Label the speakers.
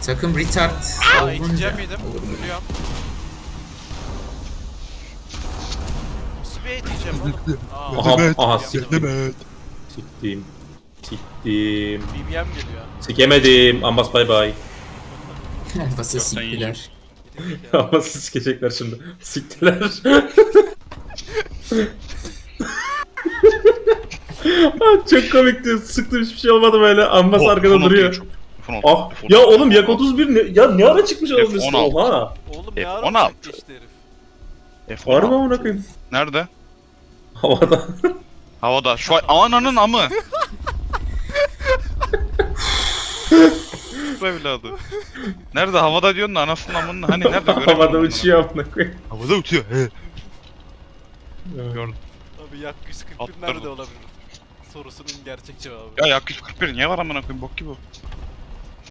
Speaker 1: Takım retard
Speaker 2: Aa
Speaker 1: olunca
Speaker 2: iteceğim miydim?
Speaker 1: olur mu?
Speaker 2: Duruyorum. Nasıl bir iteceğim oğlum?
Speaker 3: Aha
Speaker 2: siktim.
Speaker 3: siktim. Siktim. Siktim.
Speaker 2: BBM geliyor.
Speaker 3: Sikemedim. Ambas bay bay.
Speaker 1: Basa siktiler.
Speaker 3: Ambas'ı sikecekler şimdi. Siktiler. Çok komikti. Sıktım hiçbir şey olmadı böyle. Ambas arkada duruyor. Ah ya oğlum Yak 31 ne? Ya ne ara çıkmış olabilirsin?
Speaker 4: F16.
Speaker 3: Oha.
Speaker 2: Oğlum ne ara
Speaker 4: F16.
Speaker 2: uçak geçti herif.
Speaker 3: Var mı amına koyayım?
Speaker 4: Nerede?
Speaker 3: Havada.
Speaker 4: Havada. Şu an ananın amı. Bu evladı. Nerede? Havada diyorsun da anasının amının hani nerede? Göremiyorum
Speaker 3: Havada
Speaker 4: bunu.
Speaker 3: uçuyor amına koyayım.
Speaker 4: Havada uçuyor. He. Gördüm.
Speaker 2: Abi Yak 141
Speaker 4: Atlarım.
Speaker 2: nerede olabilir? Sorusunun gerçek cevabı.
Speaker 4: Ya Yak 141 niye var amına koyayım bok gibi bu.